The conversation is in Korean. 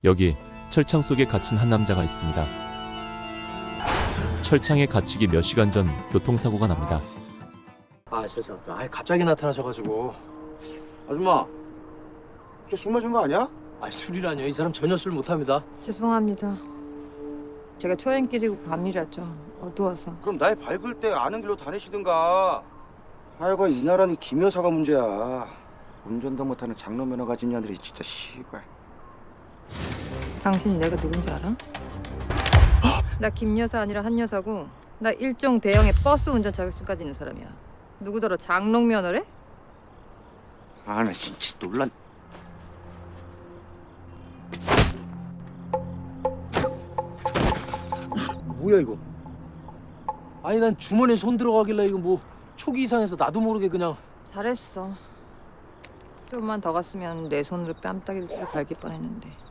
여기 철창 속에 갇힌 한 남자가 있습니다. 철창에 갇히기 몇 시간 전 교통사고가 납니다. 갑자기 나타나셔가지고. 아줌마, 걔 술 마신 거 아니야? 술이라뇨. 이 사람 전혀 술 못합니다. 죄송합니다. 제가 초행길이고 밤이라죠. 어두워서. 그럼 날 밝을 때 아는 길로 다니시든가. 하여가 이 나라는 김 여사가 문제야. 운전도 못하는 장로면허 가진 년들이 진짜 씨발. 당신이 내가 누군지 알아? 나 김여사 아니라 한여사고 나 일종 대형의 버스 운전 자격증까지 있는 사람이야. 누구더러 장롱면허래? 아, 나 진짜 놀란. 뭐야 이거? 아니 난 주머니에 손 들어가길래 이거 뭐 초기 이상해서 나도 모르게 그냥. 잘했어. 좀만 더 갔으면 내 손으로 뺨따기를 찔러 갈길 뻔했는데.